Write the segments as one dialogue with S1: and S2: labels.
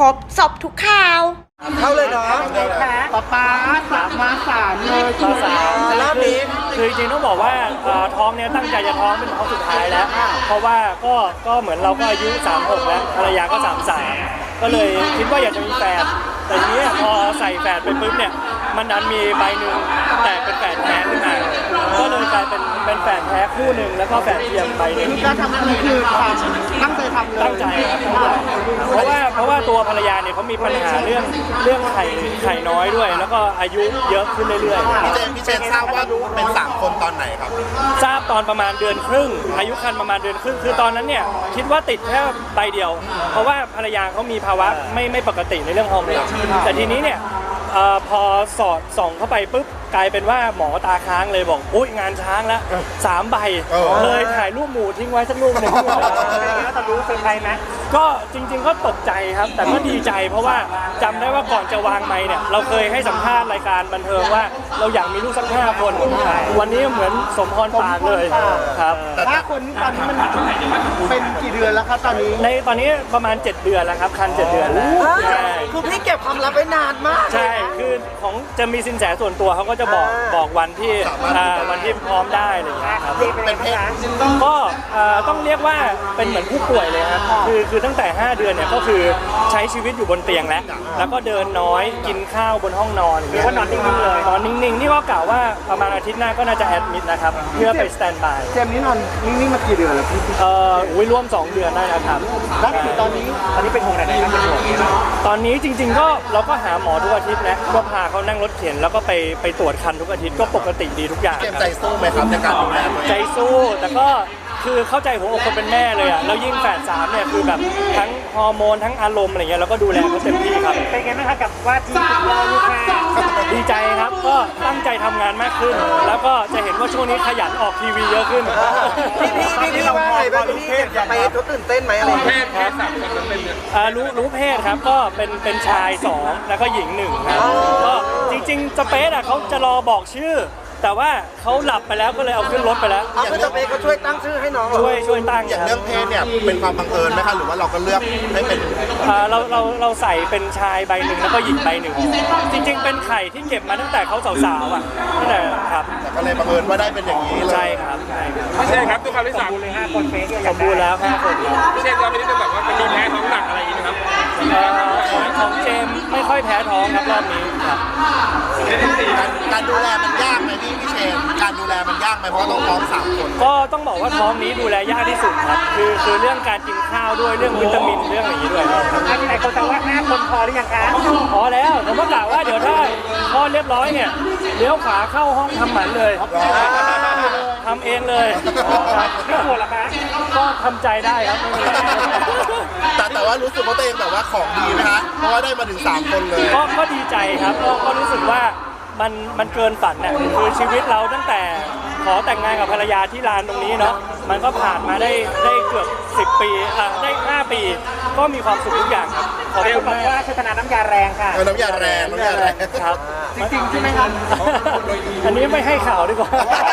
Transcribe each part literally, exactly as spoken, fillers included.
S1: บสอบทุกข่าว
S2: เข้าเลยเนาะป๊าป๊าสามมาสามเลยมาสามรอบนี้
S3: คือจริงๆต้องบอกว่าท้องเนี้ยตั้งใจจะท้องเป็นท้องสุดท้ายแล้วเพราะว่าก็ก็เหมือนเราก็อายุสามสิบหกแล้วภรรยาก็สามสิบสามก็เลยคิดว่าอยากจะมีแฝดแต่ทีนี้พอใส่แฝดไปปุ๊บเนี่ยมันดันมีใบหนึ่งแต่เป็นแฝดแท้ขึ้นมาก็เลยกลายเป็นเป็นแฝดแท้คู่หนึ่งแล้วก็แฝดเทียมใบหนึ่ง
S2: การทำอันนี้คือความตั้งใจทำเลย
S3: ตั้งใจครับเพราะว่าเพราะว่าตัวภรรยาเนี่ยเขามีปัญหาเรื่องเรื่องไข่ไข่น้อยด้วย แล้วก็อายุเยอะขึ้นเรื่อยๆ
S4: พี่เจนพี่เจนทราบว่าเป็นสามคนตอนไหนครับ
S3: ทราบตอนประมาณเดือนครึ่งอายุครรภ์ประมาณเดือนครึ่งคือตอนนั้นเนี่ยคิดว่าติดแค่ใบเดียวเพราะว่าภรรยาเขามีภาวะไม่ไม่ปกติในเรื่องฮอร์โมนแต่ทีนี้เนี่ยพอสอดส่องเข้าไปปุ๊บกลายเป็นว่าหมอตาค้างเลยบอกอุ้ยงานช้างแล้วสามใบเลยถ่ายรูปหมูทิ้งไว้สักรูปหนึ่ง
S2: แล้วตอนรู้เซอร์ไพรส์ไหม
S3: ก็จริงๆก็ตกใจครับแต่ก็ดีใจเพราะว่าจำได้ว่าก่อนจะวางไมค์เนี่ยเราเคยให้สัมภาษณ์รายการบันเทิงว่าเราอยากมีลูกสักห้าคนวันนี้เหมือนสมพรปากเลยครับ
S2: ห้าคนตอนนี้มันเป็นกี่เดือนแล้วครับตอนนี้
S3: ในตอนนี้ประมาณเจ็ดเดือนแล้วครับคันเจ็ดเดือนแล้ว
S2: คือพี่เก็บความลับไว้นานมาก
S3: ใช่คือของจะมีสินแสส่วนตัวเขาก็จะบอกบอกวันที่วันที่พร้อมได้อะไรอย่างเงี้ยครับ
S4: เป็นเพศ
S3: ก็ต้องเรียกว่าเป็นเหมือนผู้ป่วยเลยครับคือคือตั้งแต่ห้าเดือนเนี่ยก็คือใช้ชีวิตอยู่บนเตียงแล้วแล้วก็เดินน้อยกินข้าวบนห้องนอนอย่างเงี้ย
S2: ก็นอนนิ่งๆเลย
S3: นอนนิ่งๆนี่ก็กล่าวว่าประมาณอาทิตย์หน้าก็น่าจะแอดมิดนะครับเพื่อไปสแตนด์บาย
S2: เจมนี้นอนนิ่งๆมากี่เดือนแล้วพี่
S3: เอ่ออุ้ยร่วมสองเดือนได้นะครับ
S2: แล้วตอนนี้ตอนนี้เป็นห่วงไหนๆครับเป็นห่วง
S3: ตอนนี้จริงๆก็เราก็หาหมอทุกอาทิตย์นะก็พาเขานั่งรถเข็นแล้วก็ไปไปตรวจคันทุกอาทิตย์ก็ปกติดีทุกอย่าง
S4: เกมใจสู้ไหมครับในการดูแลตัวเอง
S3: ใจสู้แต่ก็คือเข้าใจหัวอกคนเป็นแม่เลยอ่ะแล้วยิ่งแฝดสามเนี่ยคือแบบทั้งฮอร์โมนทั้งอารมณ์อะไรเงี้ยเราก็ดูแลเขาเต็มที่ครับ
S2: เป็นไงบ้างครับกับว่าที่รอลูกค้า
S3: ดีใจครับก็ตั้งใจทำงานมากขึ้นแล้วก็จะเห็นว่าช่วงนี้ขยันออกทีวีเยอะขึ้น
S2: พี่พี่พี่พี่ว่าไงบ้างพี่ไปทุกตื่นเต้นไหมอะไร
S4: เพศเพศสามคนนั้นเป็น
S3: รู้รู้เพศครับก็เป็นเป็นชายสองแล้วก็หญิงหนึ่งครับก็จริงๆสเปซอ่ะเขาจะรอบอกชื่อแต่ว่าเขาหลับไปแล้วก็เลยเอาขึ้นรถไปแล้ว
S2: เอาไปสเปซเขาช่วยตั้งชื่อให้น้อง
S3: ช่วยช่วยตั้ง
S4: อย่างเรื่องเพศเนี่ยเป็นความบังเอิญไหมคะหรือว่าเราก็เลือกให้เป็น
S3: เราเราเราใส่เป็นชายใบหนึ่งแล้วก็หญิงใบหนึ่งจริงๆเป็นไข่ที่เก็บมาตั้งแต่เขาสาวๆอ่ะนั่นแหละครับ
S4: แต่ก็เลยบังเอิญว่าได้เป็นอย่างนี้เลย
S3: ใช่ครับ
S4: ไม่ใช่ครับตัวคำที่สาม
S2: เลยห้าคนเฟซ
S3: สมบูรณ์แล้วห้าคน
S4: ไม่ใช่เราไม่ได้จะแบบว่ามันมีแพ้ท้องหนักอะไรอย่างนี้นะครับ
S3: ของเจมไม่ค่อยแพ้ท้องครับรอบนี้ครับ
S4: การดูแลมันยากไหมพี่พี่เชนการดูแลมันยากไหมเพราะต้องท้องสามคน
S3: ก็ต้องบอกว่าท้องนี้ดูแลยากที่สุดครับคือคือเรื่องการกินข้าวด้วยเรื่องวิตามินเรื่องอย่างนี้ด้วย
S2: อันนี้ไหนคนจะว่าห้าคนพอหรือยังคะ
S3: พอแล้วผมก็กล่าวว่าเดี๋ยวถ้าพอเรียบร้อยเนี่ยเลี้ยวขวาเข้าห้องทำหมันเลยทำเองเลย
S2: ไม่ปวดหรอคะ
S3: ก็ทำใจได้ครับ
S4: แต่แต่ว่ารู้สึกว่าตัวเองแบบว่าของดีไหมคะเพราะว่าได้มาถึงสามคนเลย
S3: ก็ก็ดีใจครับก็ก็รู้สึกว่ามันมันเกินฝันเนี่ยคือชีวิตเราตั้งแต่ขอแต่งงานกับภรรยาที่ลานตรงนี้เนาะมันก็ผ่านมาได้ได้เกือบสิบปีอ่ะได้ห้าปีก็มีความสุขทุกอย่างครับ
S2: ขอบคุณมากว่าโฆษณาน้ำยาแรงค่ะ
S4: น้ำยาแรงน้ำยาแรง
S3: ครับ
S2: จริงๆใช่ไหมครับ
S3: อันนี้ไม่ให้ข่าวดีกว่า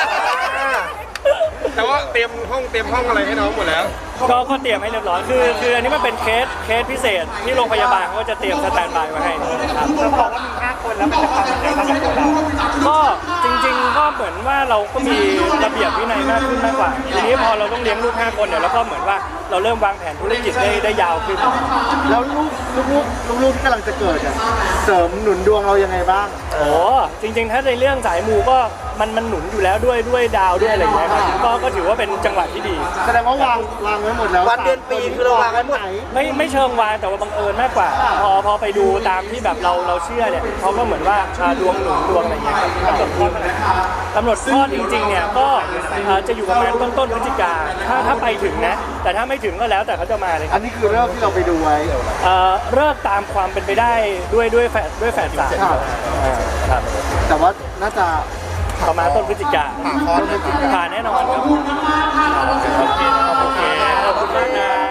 S4: แต่ว่าเตรียมห้องเตรียมห้องอะไรให้น้องหมดแล้ว
S3: ก็ก็เตรียมให้เรียบร้อยคือคืออันนี้มันเป็นเคสเคสพิเศษที่โรงพยาบาลเขาก็จะเตรียมสแตนด์บายไว้ให้ครับ
S2: เราบอกว่ามีห้าคนแล้วมันจะความเป็นไงบ้างกับตัวเรา
S3: ก็จริงๆก็เหมือนว่าเราก็มีระเบียบวินัยมากขึ้นมากกว่าทีนี้พอเราต้องเลี้ยงลูกห้าคนเนี่ยแล้วก็เหมือนว่าเราเริ่มวางแผนธุรกิจได้ได้ยาวขึ้น
S2: แล้วลูกลูกลูกที่กำลังจะเกิดเนี่ยเสริมหนุนดวงเรายังไงบ้าง
S3: โอ้จริงๆถ้าในเรื่องสายมูก็มันมันหนุนอยู่แล้วด้วยด้วยดาวด้วยอะไรอย่างเงี้ยครับก็ก็ถือว่าเป็นจังหวะที่ดี
S2: แสดงว่าวางวางไว้หมดแล้ววันเดือนปีคือเราวางไว้หมด
S3: ไม่ไม่เชิงวางแต่ว่าบังเอิญมากกว่าพอพอไปดูตามที่แบบเราเราเชื่อเนี่ยเขาก็เหมือนว่าดวงหนุนดวงอะไรอย่างเงี้ยครับกำหนดคลอดกำหนดคลอดจริงๆเนี่ยก็จะอยู่ประมาณต้นต้นพฤศจิกาถ้าถ้าไปถึงนะแต่ถ้าไม่ถึงก็แล้วแต่เขาจะมาเลย
S2: อันนี้คือเริ่มที่เราไปดูไว้
S3: เลิกตามความเป็นไปได้ด้วยด้วยแฝดด้วยแฝดสามครับ
S2: แต่ว่าน่าจะ
S3: ประมาณต้นพฤศจิกาผ่านแน่นอนครับโอเคขอบคุณมากนะ